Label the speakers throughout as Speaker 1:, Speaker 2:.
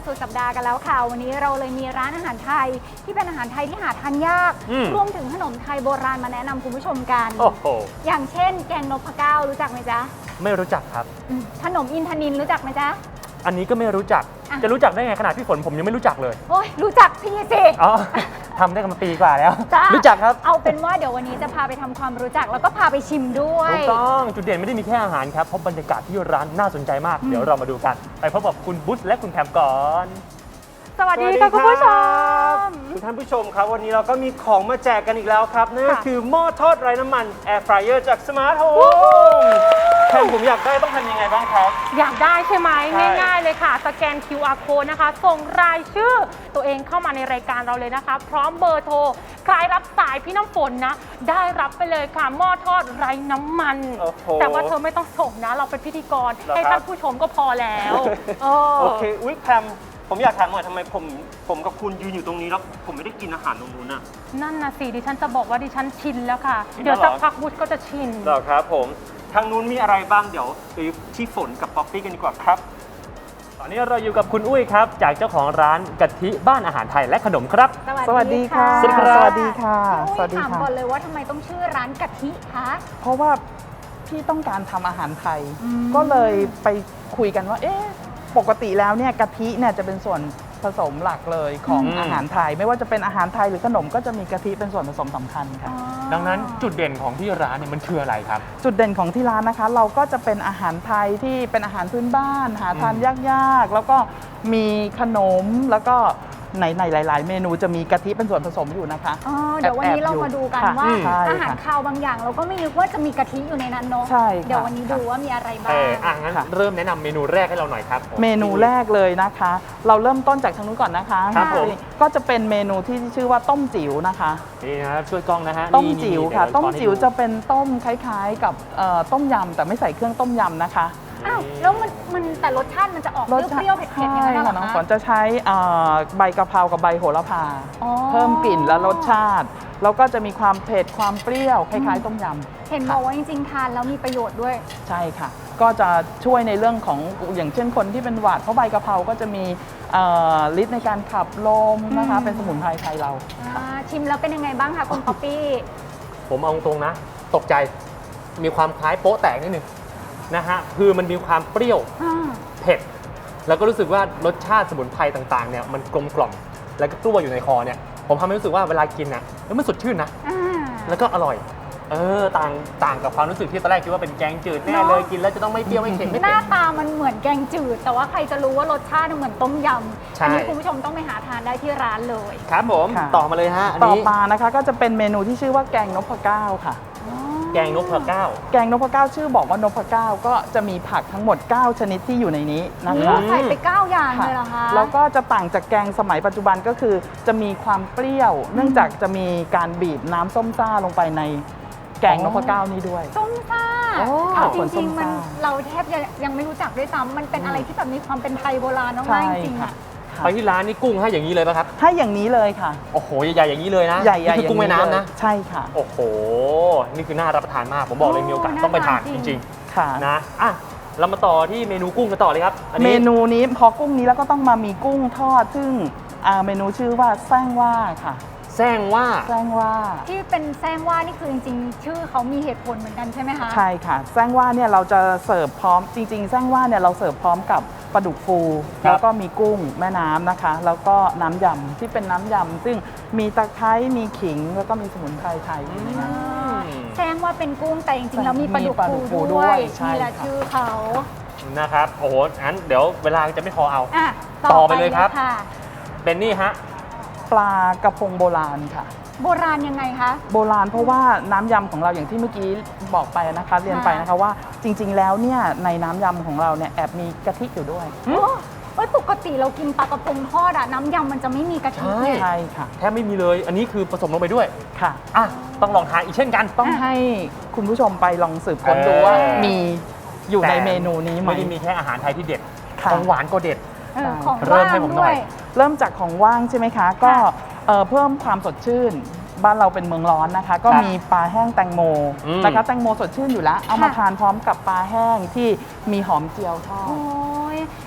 Speaker 1: สุดสัปดาห์กันแล้วค่ะวันนี้เราเลยมีร้านอาหารไทยที่เป็นอาหารไทยที่หาทานยากรวมถึงขนมไทยโบราณมาแนะนำคุณผู้ชมกันอย่างเช่นแกงนพเก้ารู้จักไหมจ๊ะ
Speaker 2: ไม่รู้จักครับ
Speaker 1: ขนมอินทนินรู้จักไหมจ๊ะ
Speaker 2: อันนี้ก็ไม่รู้จักจะรู้จักได้ไงขนาดพี่ฝนผมยังไม่รู้จักเลย
Speaker 1: โอ้ยรู้จักพี่สิ
Speaker 2: อ๋อทำได้กันมาปีกว่าแล้วรู้จักครับ
Speaker 1: เอาเป็นว่าเดี๋ยววันนี้จะพาไปทำความรู้จักแล้วก็พาไปชิมด้วย
Speaker 2: ถูกต้องจุดเด่นไม่ได้มีแค่อาหารครับเพราะบรรยากาศที่ร้านน่าสนใจมากเดี๋ยวเรามาดูกันไปพบกับคุณบุ๊ชและคุณแพมก่อน
Speaker 1: สวัสดีค่ะคุณผู้ชม
Speaker 3: ทุกท่านผู้ชมครับวันนี้เราก็มีของมาแจกกันอีกแล้วครับนั่นก็คือหม้อทอดไร้น้ำมัน Air Fryer จาก Smart Home แค่ผมอยากได้ต้องทำยังไงบ้างครับ
Speaker 4: อยากได้ใช่ไหมง่ายๆเลยค่ะสแกน QR code นะคะส่งรายชื่อตัวเองเข้ามาในรายการเราเลยนะคะพร้อมเบอร์โทรใครรับสายพี่น้ำฝนนะได้รับไปเลยค่ะหม้อทอดไร้น้ำมันแต่ว่าเธอไม่ต้องส่งนะเราเป็นพิธีกรให้ท่านผู้ชมก็พอแล้ว
Speaker 3: โอเคอุ๊ยแพมผมอยากถามหน่อยทำไมผมกับคุณยืนอยู่ตรงนี้แล้วผมไม่ได้กินอาหารตรงนู้นน่ะ
Speaker 4: นั่นนะสิดิฉันจะบอกว่าดิฉันชินแล้วค่ะเดี๋ยวสักพักบุ๊ชก็จะชิน
Speaker 3: เหรอครับผมทางนู้นมีอะไรบ้างเดี๋ยวไปที่ฝนกับป๊อปปี้กันดีกว่าครับ
Speaker 2: ตอนนี้เราอยู่กับคุณอุ้ยครับจากเจ้าของร้านกะทิบ้านอาหารไทยและขนมครับ
Speaker 1: สวัสดีค่ะ
Speaker 2: สวัสดีค่ะ
Speaker 1: สวัสดีค่ะถามก่อนเลยว่าทำไมต้องชื่อร้านกะทิคะ
Speaker 5: เพราะว่าพี่ต้องการทำอาหารไทยก็เลยไปคุยกันว่าปกติแล้วเนี่ยกะทิเนี่ยจะเป็นส่วนผสมหลักเลยของอาหารไทยไม่ว่าจะเป็นอาหารไทยหรือขนมก็จะมีกะทิเป็นส่วนผสมสำคัญค่ะ
Speaker 2: ดังนั้นจุดเด่นของที่ร้านเนี่ยมันคืออะไรครับ
Speaker 5: จุดเด่นของที่ร้านนะคะเราก็จะเป็นอาหารไทยที่เป็นอาหารพื้นบ้านหาทานยากๆแล้วก็มีขนมแล้วก็ในหลายๆเมนูจะมีกะทิเป็นส่วนผสมอยู่นะคะ
Speaker 1: เดี๋ยววันนี้เรามาดูกันว่าอาหารคาวบางอย่างเราก็ไม่นึกว่าจะมีกะทิอยู่ในนั้นเนาะเดี๋ยววันนี้ดูว่ามีอะไรบ้าง
Speaker 2: งั้นเริ่มแนะนำเมนูแรกให้เราหน่อยครับ
Speaker 5: เมนูแรกเลยนะคะเราเริ่มต้นจากทางนู้นก่อนนะคะก็จะเป็นเมนูที่ชื่อว่าต้มจิ๋วนะคะ
Speaker 2: นี่นะครับช่วยกล้องนะฮะ
Speaker 5: ต้มจิ๋วค่ะต้มจิ๋วจะเป็นต้มคล้ายๆกับต้มยำแต่ไม่ใส่เครื่องต้มยำนะคะ
Speaker 1: อ้าวแล้วมันแต่รสชาติมันจะออกเปรี้ยวๆเผ็ดๆอย่างนั้นเหรอคะ
Speaker 5: น้องฝนจะใช้ใบกะเพรากับใบโหระพาเพิ่มกลิ่นและรสชาติแล้วก็จะมีความเผ็ดความเปรี้ยวคล้ายๆต้มยำ
Speaker 1: เห็นบอกว่าจริงๆทานแล้วมีประโยชน์ด้วย
Speaker 5: ใช่ค่ะก็จะช่วยในเรื่องของอย่างเช่นคนที่เป็นหวัดเพราะใบกะเพราก็จะมีฤทธิ์ในการขับลมนะคะเป็นสมุนไพรไทยเรา
Speaker 1: ชิมแล้วเป็นยังไงบ้างคะคุณป๊อปปี้
Speaker 2: ผมเอาตรงนะตกใจมีความคล้ายโป๊ะแตกนิดนึงนะฮะคือมันมีความเปรี้ยวเผ็ดแล้วก็รู้สึกว่ารสชาติสมุนไพรต่างๆเนี่ยมันกลมกล่อมแล้วก็กล้วอยู่ในคอเนี่ยผมทำให้รู้สึกว่าเวลากินนะแล้วมันสดชื่นนะแล้วก็อร่อยต่างกับความรู้สึกที่ตอนแรกคิดว่าเป็นแกงจืดแน่เลยกินแล้วจะต้องไม่เปรี้ยวไม่เค็มไม่
Speaker 1: เผ็ดหน้าตามันเหมือนแกงจืดแต่ว่าใครจะรู้ว่ารสชาติเหมือนต้มยำอันนี้คุณผู้ชมต้องไปหาทานได้ที่ร้านเลย
Speaker 2: ครับผมต่อมาเลยฮะ
Speaker 5: ต่อมานะคะก็จะเป็นเมนูที่ชื่อว่าแกงนพเก้าค่ะ
Speaker 2: แกงนพเก้า
Speaker 5: แกงนพเก้าชื่อบอกว่านพเก้าก็จะมีผักทั้งหมด9ชนิดที่อยู่ในนี้นะคะ
Speaker 1: ใส่ไป9อย่างเลยเหรอคะ
Speaker 5: แล้วก็จะต่างจากแกงสมัยปัจจุบันก็คือจะมีความเปรี้ยวเนื่องจากจะมีการบีบน้ำส้มซ่าลงไปในแกงนพเก้านี้ด้วย
Speaker 1: ส้มซ่าจริงๆมันเราแทบยังไม่รู้จักด้วยซ้ำมันเป็นอะไรที่แบบมีความเป็นไทยโบราณมากจริงๆ
Speaker 2: ไปที่ร้านนี่กุ้งให้อย่างนี้เลยป่ะครับ
Speaker 5: ให้อย่างนี้เลยค่ะ
Speaker 2: โอ้โหใหญ่ๆอย่างนี้เลยนะ
Speaker 5: ใหญ่ๆ
Speaker 2: คือกุ้งแม่น้ำนะ
Speaker 5: ใช่ค่ะ
Speaker 2: โอ้โหนี่คือน่ารับประทานมากผมบอกเลยมีโอกาสต้องไปทานจริงๆค่ะนะเรามาต่อที่เมนูกุ้งกันต่อเลยครับ
Speaker 5: เมนูนี้พอกุ้งนี้แล้วก็ต้องมามีกุ้งทอดซึ่งเมนูชื่อว่าแซงว่าค่ะ
Speaker 2: แซงว่า
Speaker 1: ที่เป็นแซงว่านี่คือจริงๆชื่อเขามีเหตุผลเหมือนกันใช่ไหมคะ
Speaker 5: ใช่ค่ะแซงว่าเนี่ยเราจะเสิร์ฟพร้อมจริงๆแซงว่าเนี่ยเราเสิร์ฟพร้อมกับปลาดุกฟูแล้วก็มีกุ้งแม่น้ำนะคะแล้วก็น้ำยำที่เป็นน้ำยำซึ่งมีตะไคร้มีขิงแล้วก็มีสมุนไพรไทยอยู่ในนั้น
Speaker 1: แซงว่าเป็นกุ้งแต่จริงๆแล้วมีปลาดุกฟูด้วยนี่แหละชื่อเขา
Speaker 2: นะครับโอ้โหงั้นเดี๋ยวเวลาจะไม่พอเอาต่อไปเลยครับเป็นนี่ฮะ
Speaker 5: ปลากระพงโบราณค่ะ
Speaker 1: โบราณยังไงคะ
Speaker 5: โบราณเพราะว่าน้ำยำของเราอย่างที่เมื่อกี้บอกไปนะคะเรียนไปนะคะว่าจริงๆแล้วเนี่ยในน้ำยำของเราเนี่ยแอบมีกะทิอยู่ด้วย
Speaker 1: ปกติเรากินปลากระพงทอดน้ำยำมันจะไม่มีกะทิ
Speaker 5: ใช่ค่ะ
Speaker 2: แทบไม่มีเลยอันนี้คือผสมลงไปด้วย
Speaker 5: ค่ะ
Speaker 2: ต้องลองทานอีกเช่นกัน
Speaker 5: ต้องให้คุณผู้ชมไปลองสืบค้นดูว่ามีอยู่ในเมนูนี้ไหม
Speaker 2: ไม่ได้มีแค่อาหารไทยที่เด็ดของหวานก็เด็ด
Speaker 1: เริ่มให้ผมหน่อย
Speaker 5: เริ่มจากของว่างใช่ไหมคะก็เพิ่มความสดชื่นบ้านเราเป็นเมืองร้อนนะคะก็มีปลาแห้งแตงโมนะคะแตงโมสดชื่นอยู่แล้วเอามาทานพร้อมกับปลาแห้งที่มีหอมเจียวทอด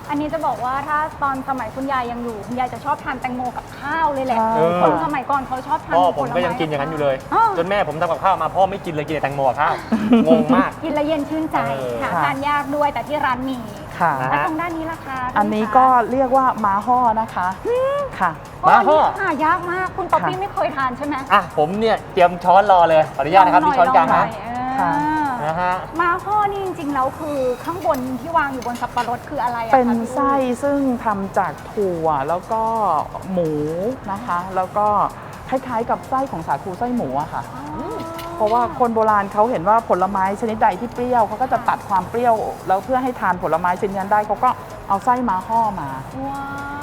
Speaker 1: อันนี้จะบอกว่าถ้าตอนสมัยคุณยายยังอยู่คุณยายจะชอบทานแตงโมกับข้าวเลยแหละ
Speaker 5: ใช่
Speaker 1: คนสมัยก่อนเขาชอบทาน
Speaker 2: พ่อผม
Speaker 1: ผล
Speaker 2: ก็
Speaker 1: ไ
Speaker 2: ยังกินอย่างนั้นอยู่เลย
Speaker 1: อ้าว
Speaker 2: จนแม่ผมทำกับข้าวมาพ่อไม่กินเลยกินแต่แตงโมกับข้าว งงมาก
Speaker 1: กินแล้วเย็นชื่นใจ
Speaker 2: เออ
Speaker 1: หาทานยากด้วยแต่ที่ร้านมี
Speaker 5: ค่ะ
Speaker 2: นะ
Speaker 1: แล้วตรงด้านนี้ล่ะคะ
Speaker 5: อันนี้ก็เรียกว่าม้าห่อนะคะค่ะ
Speaker 2: ม้าห่อ
Speaker 1: หายากมากคุณป๊อปปี้
Speaker 5: ค่ะ
Speaker 1: ไม่เคยทานใช่ไหม
Speaker 2: อ่ะผมเนี่ยเตรียมช้อนรอเลยขออนุญาตนะครับ
Speaker 1: ล
Speaker 2: ที่
Speaker 1: งห
Speaker 2: ช้อนกลาง
Speaker 1: ห
Speaker 2: นะ
Speaker 1: ย
Speaker 5: ค่ะ
Speaker 2: นะฮะ
Speaker 1: ม้าห่อนี่จริงๆแล้วคือข้างบนที่วางอยู่บนสับปะรดคืออะไรอะคะ
Speaker 5: เป็น
Speaker 1: พี่อุ้ย
Speaker 5: ไส้ซึ่งทำจากถั่วแล้วก็หมูนะคะ แล้วก็คล้ายๆกับไส้ของสาคูไส้หมูอะค่ะ เพราะว่าคนโบราณเขาเห็นว่าผลไม้ชนิดใดที่เปรี้ยวเขาก็จะตัดความเปรี้ยว แล้วเพื่อให้ทานผลไม้ชนิดนั้นได้เขาก็เอาไส้ม้าห่อมา
Speaker 1: ว้าว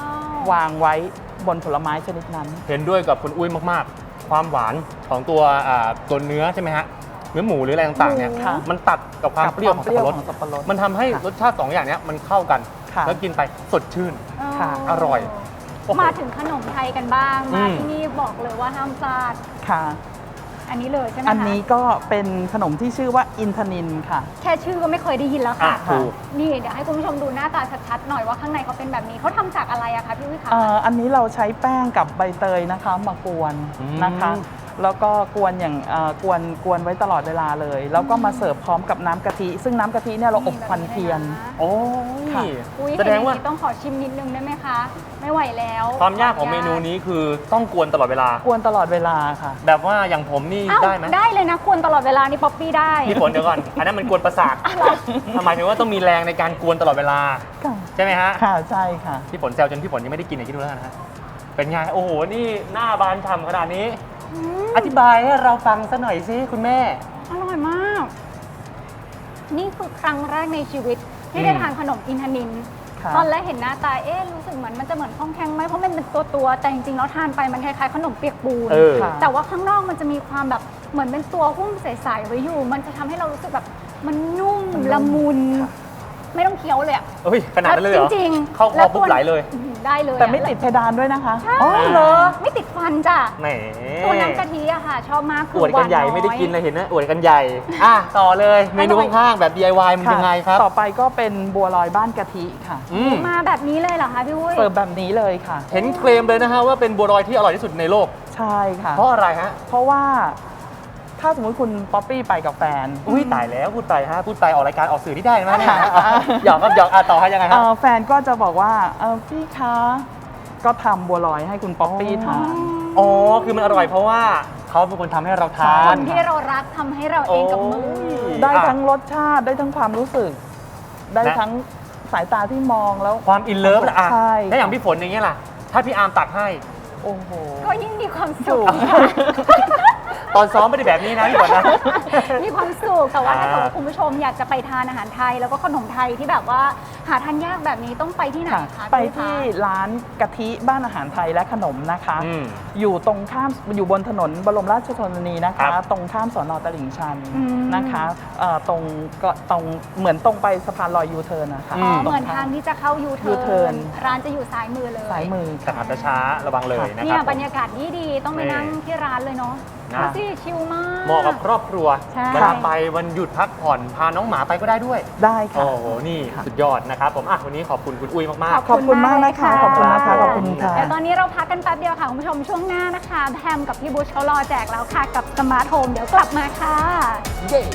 Speaker 5: วางไว้บนผลไม้ชนิดนั้น
Speaker 2: เห็นด้วยกับคุณอุ้ยมากๆ ความหวานของตัวเนื้อใช่ไหมฮะเนื้อหมูหรืออะไรต่างๆเนี่ย
Speaker 5: ค่ะ
Speaker 2: มันตัดกับความเปรี้ยวของสับปะรด
Speaker 5: ของสับปะรด
Speaker 2: มันทำให้
Speaker 5: ค่ะ
Speaker 2: รสชาติสองอย่างเนี้ยมันเข้ากัน
Speaker 5: ค่ะ
Speaker 2: แล้วกินไปสดชื่น
Speaker 5: ค่ะ
Speaker 2: อร่อยโอ้โห
Speaker 1: มาถึงขนมไทยกันบ้าง
Speaker 2: อื
Speaker 1: มาม ที่นี่บอกเลยว่าห้ามพลาด
Speaker 5: ค่ะ
Speaker 1: อันนี้เลยใช่ไหมคะ
Speaker 5: อันนี้ก็เป็นขนมที่ชื่อว่าอินทนินค่ะ
Speaker 1: แค่ชื่อก็ไม่เคยได้ยินแล้ว
Speaker 2: อ่ะ
Speaker 1: ค่ะ
Speaker 2: ถูก
Speaker 1: นี่เดี๋ยวให้คุณผู้ชมดูหน้าตาชัดๆหน่อยว่าข้างในเขาเป็นแบบนี้เขาทำจากอะไรอะคะพี่วิคะ
Speaker 5: อันนี้เราใช้แป้งกับใบเตยนะคะมากวนนะคะ แล้วก็กวนอย่างกวนไว้ตลอดเวลาเลย แล้วก็มาเสิร์ฟพร้อมกับน้ำกะทิ ซึ่งน้ำกะทิเนี่ยเราอบควันเทียน
Speaker 2: โอ้ย
Speaker 5: ค่ะ
Speaker 1: อุ้ย
Speaker 2: แสดงว่า
Speaker 1: เห็นอย่นี้ต้องขอชิมนิดนึงได้ไหมคะ ไม่ไหวแล้ว
Speaker 2: ความยากของเมนูนี้คือต้องกวนตลอดเวลา
Speaker 5: กวนตลอดเวลาค่ะ
Speaker 2: แบบว่าอย่างผมนี่
Speaker 1: อ้าว
Speaker 2: ได้ไหม
Speaker 1: ได้เลยนะควรตลอดเวลานี่ป๊อปปี้ได้
Speaker 2: พี่ฝนเดี๋ยวก่อน อันนั้นมันกวนประสาทหมายถึงว่าต้องมีแรงในการกวนตลอดเวลา
Speaker 5: ค่ะ
Speaker 2: ใช่ไหมฮะ
Speaker 5: ค่ะใช่ค่ะ
Speaker 2: พี่ฝนแซวจนพี่ฝนยังไม่ได้กินเลยคิดดูแล้วกันนะฮะเป็นไงโอ้โหนี่หน้าบานฉ่ำขนาดนี้ อธิบายให้เราฟังสักหน่อยสิคุณแม่
Speaker 1: อร่อยมาก นี่คือครั้งแรกในชีวิตที่ได้ทานขนมอินทนิน
Speaker 5: ค่ะ
Speaker 1: ตอนแรกเห็นหน้าตา รู้สึกเหมือนมันจะเหมือนข้องแข็งไหมเพราะมันเป็นตัวแต่จริงๆแล้วทานไปมันคล้ายๆขนมเปียกปูน
Speaker 2: เออ
Speaker 5: ค่ะ
Speaker 1: แต่ว่าข้างนอกมันจะมีความแบบเหมือนเป็นตัวหุ้มใสๆไว้อยู่ มันจะทำให้เรารู้สึกแบบมันนุ่มละมุน
Speaker 5: ค่ะ
Speaker 1: ไม่ต้องเคี้ยวเลยอะ
Speaker 2: เฮ้ยขนาดนั้นเลยเหรอ
Speaker 1: จริงๆ
Speaker 2: เข้าคอปุ๊บไหลเลย
Speaker 1: อื้อหือได้เลยอะ
Speaker 5: แต่ไม่ติดเพดานด้วยนะคะ
Speaker 1: ใช่
Speaker 2: อ๋อเหรอ
Speaker 1: ไม่ติดฟันจ้ะ
Speaker 2: แหม
Speaker 1: ตัวน้ำกะทิอะค่ะ ชอบมากคื
Speaker 2: อวดกันใหญ่
Speaker 1: วา
Speaker 2: ไม่ได้กินเลยเห็นนะอวดกันใหญ่ อ่ะต่อเลยเมนูข้างๆแบบ DIY มันยังไงครับ
Speaker 5: ต่อไปก็เป็นบัวลอยบ้านกะทิค่ะ
Speaker 2: อืม
Speaker 1: มาแบบนี้เลยเหรอคะพี่วุ้ย
Speaker 5: เสิร์ฟแบบนี้เลยค่ะ
Speaker 2: เห็นเคลมเลยนะฮะว่าเป็นบัวลอยที่อร่อยที่สุดในโลก
Speaker 5: ใช่ค่ะ
Speaker 2: เพราะอะไรฮะ
Speaker 5: เพราะว่าถ้าสมมติคุณป๊อปปี้ไปกับแฟน
Speaker 2: อุ้ยตายแล้วพูดไปฮะพูดไปออกรายการออกสื่อที่ได้ไหมเนี่ยหยอกครับหยอกต่อให้ยังไงครับ
Speaker 5: แฟนก็จะบอกว่าพี่คะก็ทำบัวลอยให้คุณป๊อปปี้ทาน
Speaker 2: อ๋อคือมันอร่อยเพราะว่าเขาเป็นคนทำให้เราทา
Speaker 1: คน นที่เรารักทำให้เราเองกับมือ
Speaker 5: ได้ทั้งรสชาติได้ทั้งความรู้สึก ได้ทั้งสายตาที่มองแล้ว
Speaker 2: ความอินเลิฟนะอ่ะ
Speaker 5: ใช่
Speaker 2: ถ้าอย่างพี่ฝนอย่างเงี้ยล่ะ ถ้าพี่อาร์มตักให้
Speaker 5: โอ้โห
Speaker 1: ก็ยิ่งมีความสุข
Speaker 2: ตอนซ้อมไม่ได้แบบนี้นะพี่ฝนนะ
Speaker 1: มีความสุขแต่ว่าถ้า
Speaker 2: อ่า
Speaker 1: เกิดว่าคุณผู้ชมอยากจะไปทานอาหารไทย แล้วก็ขนมไทยที่แบบว่าหาทานยากแบบนี้ต้องไปที่ไหน
Speaker 5: ค่ะ
Speaker 1: คะ
Speaker 5: ไป
Speaker 1: พี่คะ
Speaker 5: ที่ร้านกะทิบ้านอาหารไทยและขนมนะคะ
Speaker 2: อืม
Speaker 5: อยู่ตรงข้ามอยู่บนถนนบรมราชชนนีนะ
Speaker 2: ครั
Speaker 5: คะ
Speaker 2: บ
Speaker 5: ตรงข้ามสอนอตลิ่งชัน
Speaker 1: อืม
Speaker 5: นะคะตรงเหมือนตรงไปสะพานลอยยูเทิร์นนะคะ
Speaker 1: อ๋อ
Speaker 5: ตร
Speaker 1: เหมือนทางที่จะเข้ายูเทิ
Speaker 5: U-turn
Speaker 1: ร้านจะอยู่ซ้ายมือเลย
Speaker 5: สายมือ
Speaker 2: แต่ขับช้าๆระวังเลยนะค
Speaker 1: เนี่
Speaker 2: รั
Speaker 1: ย
Speaker 2: บบ
Speaker 1: รรยากาศดีๆต้องไปนั่งที่ร้านเลยเนาะ
Speaker 2: นะ
Speaker 1: ดูสิชิลมาก
Speaker 2: เหมาะกับครอบครัว
Speaker 1: ใช่
Speaker 2: เวลาไปวันหยุดพักผ่อนพาน้องหมาไปก็ได้ด้วย
Speaker 5: ได้ค่ะ
Speaker 2: โอ้โห นี่สุดยอดนะครับผมอ่ะวันนี้ขอบคุณคุณอุ้ยมาก
Speaker 5: ขอบคุณมากนะคะขอบคุณนะคะขอบคุณค่ะ
Speaker 1: เดี๋ยวตอนนี้เราพักกันแป๊บเดียวค่ะ คุณผู้ชมช่วงหน้านะคะแพมกับพี่บุชเขารอแจกแล้วค่ะ กับสมาร์ทโฮมเดี๋ยวกลับมาค่ะ
Speaker 2: ๆ เย้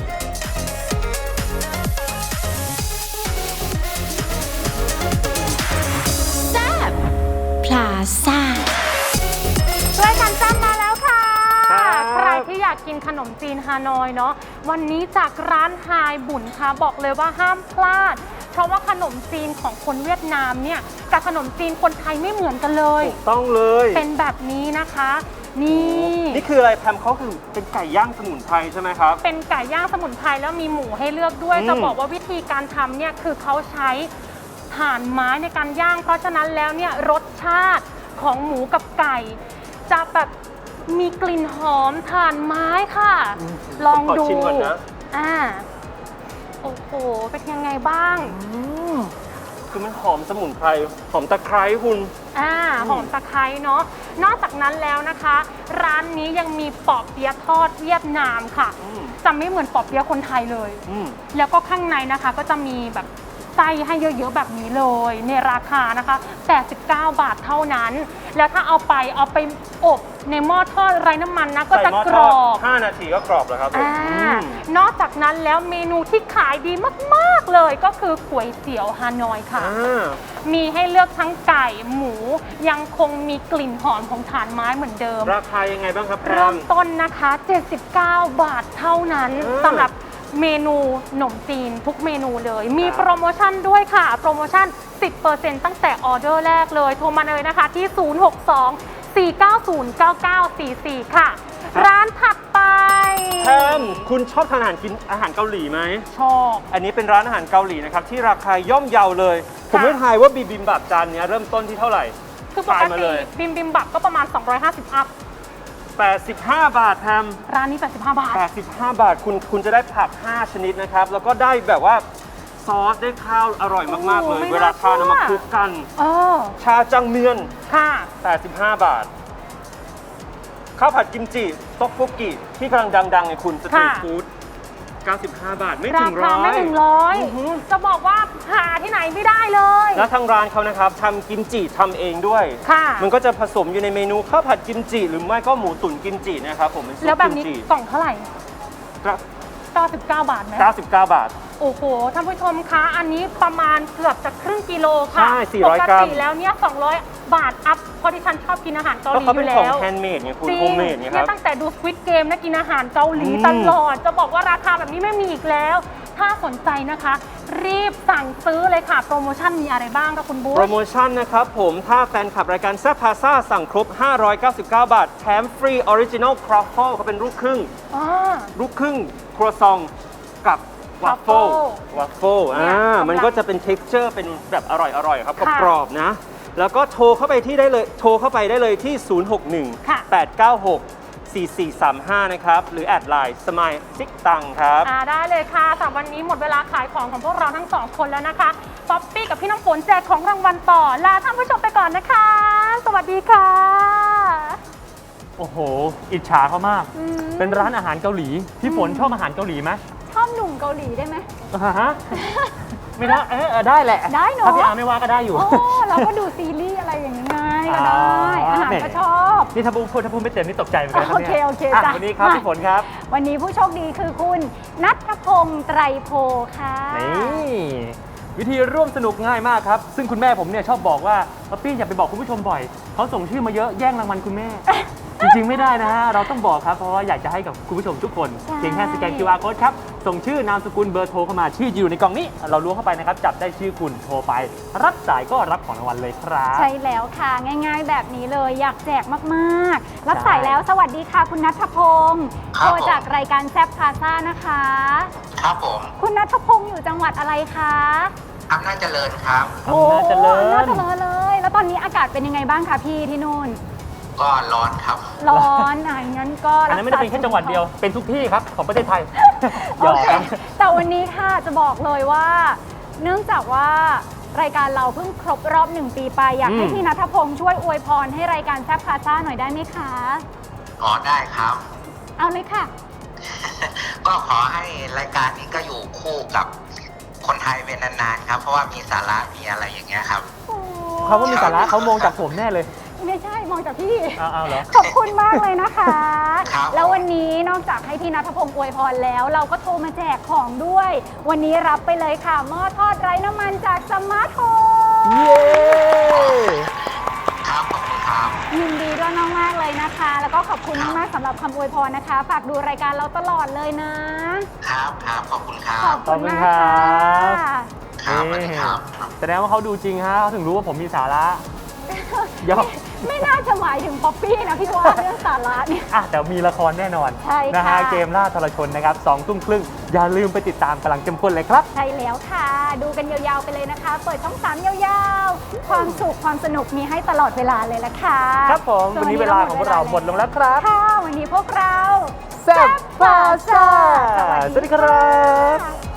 Speaker 6: พลาซ่า
Speaker 4: รายการจ้ำมาแล้วค่ะ
Speaker 3: ครับ
Speaker 4: ใครที่อยากกินขนมจีนฮานอยเนาะวันนี้จากร้านไฮบุญค่ะบอกเลยว่าห้ามพลาด เพราะว่าขนมจีนของคนเวียดนามเนี่ยกับขนมจีนคนไทยไม่เหมือนกันเลย
Speaker 3: ถูกต้องเลย
Speaker 4: เป็นแบบนี้นะคะ นี่
Speaker 3: นี่คืออะไรแพมเขาคือเป็นไก่ย่างสมุนไพรใช่ไหมครับ
Speaker 4: เป็นไก่ย่างสมุนไพรแล้วมีหมูให้เลือกด้วย
Speaker 3: อืม
Speaker 4: จะบอกว่าวิธีการทำเนี่ยคือเขาใช้ถ่านไม้ในการย่าง เพราะฉะนั้นแล้วเนี่ยรสชาติของหมูกับไก่ จะแบบมีกลิ่นหอมถ่านไม้ค่ะ ลอง
Speaker 3: ขอ
Speaker 4: ดู
Speaker 3: ชิมก่อนนะ
Speaker 4: โอ้โหเป็นยังไงบ้าง
Speaker 3: คือมันหอมสมุนไพรหอมตะไคร้คุณ
Speaker 4: หอมตะไคร้เนาะนอกจากนั้นแล้วนะคะ ร้านนี้ยังมีปอเปี๊ยะทอดเวียดนามค่ะ
Speaker 3: อืม
Speaker 4: จะไม่เหมือนปอเปี๊ยะคนไทยเลย
Speaker 3: อืม
Speaker 4: แล้วก็ข้างในนะคะก็จะมีแบบไส้ให้เยอะๆแบบนี้เลยในราคานะคะ89 บาทเท่านั้น แล้วถ้าเอาไปอบในหม้อทอดไร้น้ำมันนะก็จะกรอบ
Speaker 3: 5 นาทีก็กรอบแล้วครับผม
Speaker 4: นอกจากนั้นแล้วเมนูที่ขายดีมากๆเลยก็คือก๋วยเตี๋ยวฮานอยค่ะ มีให้เลือกทั้งไก่หมูยังคงมีกลิ่นหอมของถ่านไม้เหมือนเดิม
Speaker 3: ราคายังไงบ้างครับ
Speaker 4: เริ่มต้นนะคะ 79 บาทเท่านั้นสำหรับเมนูขนมจีนทุกเมนูเลย มีโปรโมชั่นด้วยค่ะ โปรโมชั่น 10% ตั้งแต่ออเดอร์แรกเลย โทรมาเลยนะคะที่ 062-490-9944 ค่ะ ร้านถัดไป
Speaker 3: แพมคุณชอบทานอาหารเกาหลีไหม
Speaker 4: ชอบ
Speaker 3: อันนี้เป็นร้านอาหารเกาหลีนะครับที่ราคาย่อมเยาเลย ผมไม่ทายว่าบิบิมบับจานนี้เริ่มต้นที่เท่าไหร่
Speaker 4: คือปก
Speaker 3: ทายมา
Speaker 4: ติ
Speaker 3: เลย
Speaker 4: บิมบับก็ประมาณ 250 อัพ
Speaker 3: 85 บาทแพม
Speaker 4: ร้านนี้ 85 บาท
Speaker 3: 85 บาทคุณจะได้ผัก 5 ชนิดนะครับ แล้วก็ได้แบบว่าซอสได้ข้าวอร่อยมากๆเลย
Speaker 4: โอ้โหไม่
Speaker 3: เวลาทาน
Speaker 4: น่า
Speaker 3: เอามา
Speaker 4: เชื่อ
Speaker 3: คลุกกัน ชาจังเมียน
Speaker 4: ค่ะ
Speaker 3: 85 บาท ข้าวผัดกิมจิต๊อกโกกิที่กำลังดังๆไงคุณสตรีทฟู้ด95 บาทไม่
Speaker 4: รา
Speaker 3: ถึง
Speaker 4: คา
Speaker 3: ร้อ
Speaker 4: ไม่
Speaker 3: ย
Speaker 4: ถึงร้อยจะบอกว่าหาที่ไหนไม่ได้เลย
Speaker 3: แล้วทางร้านเขานะครับทำกิมจิทำเองด้วย
Speaker 4: ค่ะ
Speaker 3: มันก็จะผสมอยู่ในเมนูข้าวผัดกิมจิ หรือไม่ก็หมูตุ๋นกิมจินะครับผมเป็นซุป
Speaker 4: แล้วแบบ
Speaker 3: กิม
Speaker 4: นี้
Speaker 3: จิ
Speaker 4: กล่องเท่าไหร่ 99 บาทไหม
Speaker 3: 99 บาท
Speaker 4: โอ้โห ท่านผู้ชมคะ อันนี้ประมาณเกือบจะครึ่งกิโลค่ะ
Speaker 3: ใช่400
Speaker 4: ป
Speaker 3: กรั
Speaker 4: ก
Speaker 3: ม
Speaker 4: ติแล้วเนี่ย200 บาทอัพเพราะที่ฉันชอบกินอาหารเกาห
Speaker 3: ก็
Speaker 4: ลี
Speaker 3: เขา
Speaker 4: อ
Speaker 3: เป็น
Speaker 4: ยู่
Speaker 3: ของ
Speaker 4: แล้ว
Speaker 3: แฮนด์เมดไงคุณ
Speaker 4: จริง
Speaker 3: โฮมเมดไงค
Speaker 4: เนี่
Speaker 3: รั
Speaker 4: ย
Speaker 3: บ
Speaker 4: ตั้งแต่ดู Squid Game นะกินอาหารเกาหลี
Speaker 3: อืม
Speaker 4: ตลอด จะบอกว่าราคาแบบนี้ไม่มีอีกแล้ว ถ้าสนใจนะคะ รีบสั่งซื้อเลยค่ะ โปรโมชั่นมีอะไรบ้างคะคุณบุ๊
Speaker 3: โปรโมชั่นนะครับผมถ้าแฟนคลับรายการแซ่บพาซ่าสั่งครบ 599 บาท แถมฟรีออริจินอลครอฟเฟิลเขาเป็นลูกครึ่ง ลูกครึ่งครัวซองกับวัฟเฟิล
Speaker 4: เนี่ย
Speaker 3: มันก็จะเป็นเท็กเจอร์เป็นแบบอร่อยๆครับ
Speaker 4: ค่ะ
Speaker 3: กรอบๆนะ แล้วก็โทรเข้าไปได้เลยที่
Speaker 4: ค่ะ
Speaker 3: 061 896 4435 นะครับ หรือแอดไลน์สมายซิกตังครับ
Speaker 4: ได้เลยค่ะสำหรับวันนี้หมดเวลาขายของของพวกเราทั้งสองคนแล้วนะคะ ป๊อปปี้กับพี่น้ำฝนแจกของรางวัลต่อ ลาท่านผู้ชมไปก่อนนะคะ สวัสดีค่ะ
Speaker 2: โอ้โห อิจฉาเขามาก เป็นร้านอาหารเกาหลี พี่ฝนชอบอาหารเกาหลีไหม
Speaker 1: ชอบหนุ่มเกาหลีได้ไหม
Speaker 2: ฮะ ไม่ได้ได้แหละ
Speaker 1: ได้เนอะ
Speaker 2: ถ้าพี่อาร์ไม่ว่าก็ได้อยู่
Speaker 1: โอ้เราก็ดูซีรีส์อะไรอย่างนี้ไงก็ได้
Speaker 2: อ๋อ
Speaker 1: อาหาร
Speaker 2: แหม
Speaker 1: ก็ชอบ
Speaker 2: นี่ถ้าพูดไม่เต็มนี่ตกใจเหมือนกันนะ
Speaker 1: โอเค
Speaker 2: นี่ย
Speaker 1: โอเค
Speaker 2: อ่ะ
Speaker 1: จ้ะ
Speaker 2: วันนี้ครับ
Speaker 1: มา
Speaker 2: พี่ฝนครับ
Speaker 1: วันนี้ผู้โชคดีคือคุณนัทพงษ์ไตรโพค่ะ
Speaker 2: นี่วิธีร่วมสนุกง่ายมากครับ ซึ่งคุณแม่ผมเนี่ยชอบบอกว่าป๊อปปี้อย่าไปบอกคุณผู้ชมบ่อย เขาส่งชื่อมาเยอะแย่งรางวัลคุณแม่ จริงๆไม่ได้นะฮะ เราต้องบอกครับ เพราะว่าอยากจะให้กับคุณผู้ชมทุกคน
Speaker 1: ใช่
Speaker 2: เพียงแค่สแกน QR code ครับ ส่งชื่อนามสกุลเบอร์โทรเข้ามาชื่ออยู่ในกล่องนี้ เราล้วงเข้าไปนะครับ จับได้ชื่อคุณโทรไป รับสายก็รับของรางวัลเลยครับ
Speaker 1: ใช่แล้วค่ะง่ายๆแบบนี้เลยอยากแจกมากๆ รับสายแล้วสวัสดีค่ะ คุณนัทพงษ์โทรจากรายการแซฟพาซ่านะคะ
Speaker 7: ครับผม
Speaker 1: คุณนัทพงษ์อยู่จังหวัดอะไรคะ
Speaker 7: อำนาจเจริญครับ
Speaker 2: อำนาจเจริญ
Speaker 1: อำนาจเจริญเลย แล้วตอนนี้อากาศเป็นยังไงบ้างคะพี่ที่นู่น
Speaker 7: ก็ร้อนครับ
Speaker 1: ร้อนงั้นก็
Speaker 2: อันนั้นไม่ได้เป็นแค่จังหวัดเดียว เป็นทุกที่ครับของประเทศไทย หย
Speaker 1: โอ
Speaker 2: อก
Speaker 1: เค
Speaker 2: ครับ
Speaker 1: แต่วันนี้ค่ะจะบอกเลยว่า เนื่องจากว่ารายการเราเพิ่งครบรอบ1 ปีไปอยากให้พี่นัทพงษ์ช่วยอวยพรให้รายการแซฟพาซ่าหน่อยได้ไหมคะ
Speaker 7: อ๋อได้ครับ
Speaker 1: เอาเลยค่ะ
Speaker 7: ก็ขอให้รายการนี้ก็อยู่คู่กับคนไทยเป็นนานๆครับ เพราะว่ามีสาระมีอะไรอย่างเงี้ยครับ
Speaker 2: เขาว่ามีสาระเขามองจากผมแน่เลย
Speaker 1: ไม่ใช่มองจากพี่
Speaker 2: เอาเหรอ
Speaker 1: ขอบคุณมากเลยนะคะ
Speaker 7: ครับ
Speaker 1: แล้ววันนี้นอกจากให้พี่นัทพงษ์อวยพรแล้ว เราก็โทรมาแจกของด้วย วันนี้รับไปเลยค่ะหม้อทอดไร้น้ำมันจากสมาร์ทโฮม
Speaker 2: เย้
Speaker 7: ครับขอบคุณครับ
Speaker 1: ยินดีด้วยมากๆเลยนะคะ แล้วก็ขอบคุณมากๆสำหรับคำอวยพรนะคะ ฝากดูรายการเราตลอดเลยนะ
Speaker 7: ครับครับขอบคุณครั
Speaker 1: ขอ
Speaker 7: บบ
Speaker 1: คุณมาก
Speaker 2: ขอบคุณครั
Speaker 1: ค่ะ
Speaker 2: บ
Speaker 7: ครับสวัสดีครับ
Speaker 2: แสดงว่าเขาดูจริงฮะเขาถึงรู้ว่าผมมีสาระยอก
Speaker 1: ไม่น่าจะหมายถึงป๊อปปี้นะพี่ว่าเรื่องสาระเนี่ย
Speaker 2: แต่มีละครแน่นอน
Speaker 1: ใช่ค่ะ
Speaker 2: นะฮะเกมล่าทรชนนะครับ2 ทุ่มครึ่งอย่าลืมไปติดตามกำลังเข้มข้นเลยครับ
Speaker 1: ใช่แล้วค่ะ ดูกันยาวๆไปเลยนะคะ เปิดช่อง 3 ยาวๆ ความสุขความสนุกมีให้ตลอดเวลาเลยละค่ะ
Speaker 2: ครับผมวันนี้เวลาของพวกเราหมดลงแล้วครับ
Speaker 1: ค่ะ วันนี้พวกเรา
Speaker 2: แซ่บพาซ่า
Speaker 1: ส
Speaker 2: สวัสดีครับ
Speaker 1: ค่ะ